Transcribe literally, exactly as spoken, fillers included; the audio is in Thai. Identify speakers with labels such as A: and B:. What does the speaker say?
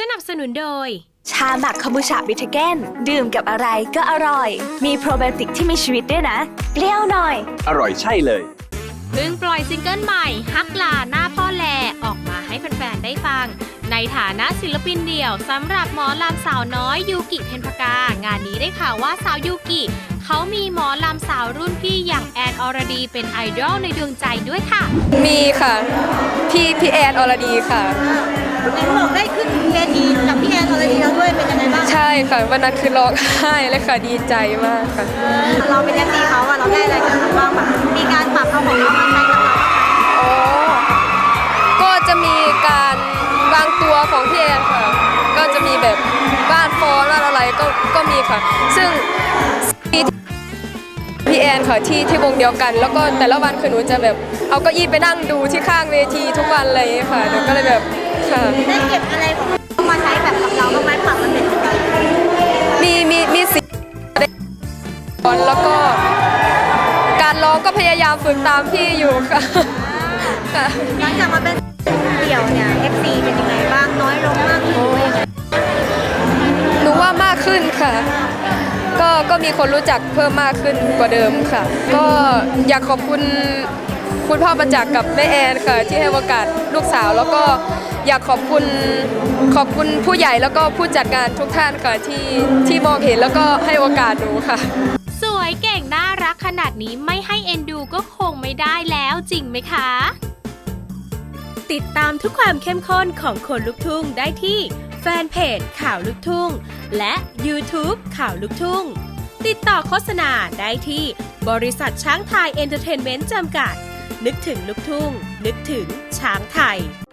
A: นับสนุนโดย
B: ชาหมักคอมบูชาบิทเกนดื่มกับอะไรก็อร่อยมีโปรไบโอติกที่มีชีวิตด้วยนะเปรี้ยวหน่อย
C: อร่อยใช่เลย
A: เพิ่งปล่อยซิงเกิลใหม่ฮักลาหน้าพ่อแลออกมาให้แฟนๆได้ฟังในฐานะศิลปินเดี่ยวสำหรับหมอลำสาวน้อยยูกิเพ็ญพกางานนี้ได้ข่าวว่าสาวยูกิเขามีหมอลำสาวรุ่นพี่อย่างแอนอรดีเป็นไอดอลในดวงใจด้วยค่ะ
D: มีค่ะพี่พี่แอนอรดีค่ะ
E: เห็นบอกได้ขึ้นเวทีกับพี่แอนอรดีแล้วด้วยเป็นยังไงบ้าง
D: ใช่ค่ะวันนั้นคือร้องไห้เลยค่ะดีใจมากค่ะ
E: เราเป็นเอฟซีเขาอะเราได้อะไรกันบ้างแบบมีการปรับเอาของเรามาใช้กับเรา
D: อ๋อก็จะมีการวางตัวของพี่แอนค่ะก็จะมีแบบบ้านฟอนบ้านอะไรก็ก็มีค่ะซึ่งพี่แอนค่ะที่ที่วงเดียวกันแล้วก็แต่ละวันคือหนูจะแบบเอาเก้าอี้ไปนั่งดูที่ข้างเวทีทุกวันเลยค่ะหนูก็เลยแบบค่ะ
E: ได้เก็บอะไรของเขามาใช้แบบกับเราบ้างไหมปรับมันเป็นยังไง
D: มีมีมีสิ่งแล้วก็การร้องก็พยายามฝึกตามพี่อยู่ค่ะ
E: หลังจากมาเป็นเดี่ยวเนี่ย เอฟ ซี เป็นยังไงบ้างน้อยลงมากขึ้นไหม
D: หนูว่ามากขึ้นค่ะก็ก็มีคนรู้จักเพิ่มมากขึ้นกว่าเดิมค่ะก็อยากขอบคุณคุณพ่อประจักษ์กับแม่แอนค่ะที่ให้โอกาสลูกสาวแล้วก็อยากขอบคุณขอบคุณผู้ใหญ่แล้วก็ผู้จัดงานทุกท่านค่ะที่ที่มองเห็นแล้วก็ให้โอกาสหนูค่ะ
A: สวยเก่งน่ารักขนาดนี้ไม่ให้เอ็นดูก็คงไม่ได้แล้วจริงไหมคะติดตามทุกความเข้มข้นของคนลุกทุ่งได้ที่แฟนเพจข่าวลูกทุ่งและ YouTube ข่าวลูกทุ่งติดต่อโฆษณาได้ที่บริษัทช้างไทยเอนเตอร์เทนเมนต์จำกัดนึกถึงลูกทุ่งนึกถึงช้างไทย